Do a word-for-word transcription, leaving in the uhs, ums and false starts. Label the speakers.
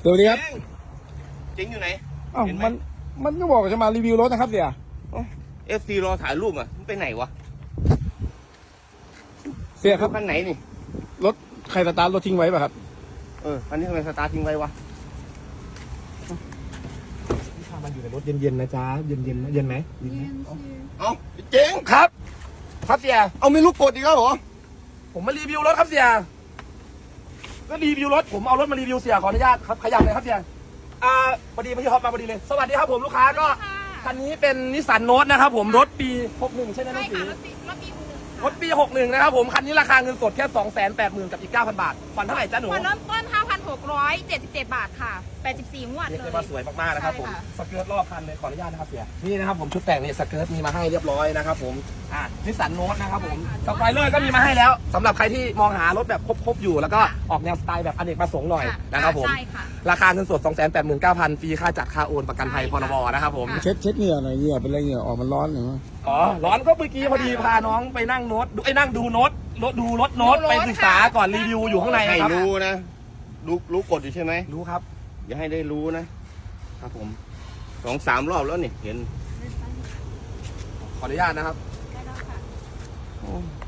Speaker 1: สวัสดีครับ
Speaker 2: เจ๋งอยู่ไหน
Speaker 1: อ้าวมันมันก็บอกจะมารีวิวรถนะครับเสีย
Speaker 2: เอฟซีรอถ่ายรูปอ่ะมันไปไหนวะ
Speaker 1: เสียครับ
Speaker 2: คันไหนนี่
Speaker 1: รถใครสตาร์ทรถทิ้งไว้ป่ะครับ
Speaker 2: เออคันนี้ทำไมสตาร์ททิ้งไว้วะ
Speaker 3: พามันอยู่ในรถเย็นๆนะจ๊ะเย็นๆนะเย็นไหม
Speaker 2: เอ้าเจ๋ง
Speaker 1: ครับ ครับเสีย
Speaker 2: เอาไม่รู้กดอีกแล้วเหรอ
Speaker 1: ผมมารีวิวรถครับเสียก็รีวิวรถผมเอารถมารีวิวเสียขออนุญาตครับขยับเลยครับเสียอ่าพอดีพี่ฮอปมาพอดีเลยสวัสดีครับผมลูกค้าก็คันนี้เป็นนิสสันโนตนะครับผมรถปีหกสิบเอ็ดใช่ไหมน้
Speaker 4: ใช่
Speaker 1: องสี
Speaker 4: ค่ะรถปีรถปีหกหนึ่ง
Speaker 1: รถปีหกสิบเอ็ดนะครับผมคันนี้ราคาเงินสดแค่ สองแสนแปดหมื่น กับอีก เก้าพัน บาทผ่อนเท่าไหร่จ้าหนู
Speaker 4: ผ่อนเริ่มต้น ห้าพันหกร้อยเจ็ดสิบเจ็ด บาทค่ะแปดสิบสี่งวด
Speaker 1: เรียก
Speaker 4: เล
Speaker 1: ได้
Speaker 4: ย
Speaker 1: ว่าสวยมากๆนะครับผม
Speaker 4: ใช่ค่ะ
Speaker 1: สเกิร์ตรอบคันเลยขออนุญาตนะครับเสียนี่นะครับผมชุดแต่งนี่สเกิร์ตมีมาให้เรียบร้อยนะครับผมอ่านิสสันโนตนะครับผมสปอยเลอร์ก็มีมาให้แล้วสำหรับใครที่มองหารถแบบครบๆอยู่แล้วก็ออกแนวสไตล์แบบอเนกประสงค์หน่อยนะครับผม
Speaker 4: ใช่ค่ะ
Speaker 1: ราคาเงินสด สองแสนแปดหมื่นเก้าพัน ฟรีค่าจัดค่าโอนประกันภัยพรบนะครับผม
Speaker 4: ค่ะ
Speaker 5: เช็ดเช็ดเหงื่อหน่อยเหงื่อเป็นไรเหงื่อออกมันร้อนหรือว่า
Speaker 1: อ๋อร้อนก็เมื่อกี้พอดีพาน้องไปนั่งโน้ตไอ้ยนั่งดูโน้ตรถดูรถโน้ต
Speaker 4: ดูรถ
Speaker 1: ไปศึกษา
Speaker 4: ค่ะ
Speaker 1: ก่อนรีวิวอยู่ข้างใน
Speaker 2: ให้
Speaker 1: ครับ
Speaker 2: รู้นะ รู้รู้กดอยู่ใช่ไหม
Speaker 1: รู้ครับ
Speaker 2: อย่าให้ได้รู้นะ ครับผมสองสามรอบแล้วนี่เห็น
Speaker 1: ขออนุญาตนะครับ
Speaker 4: ได้แล้วค่ะ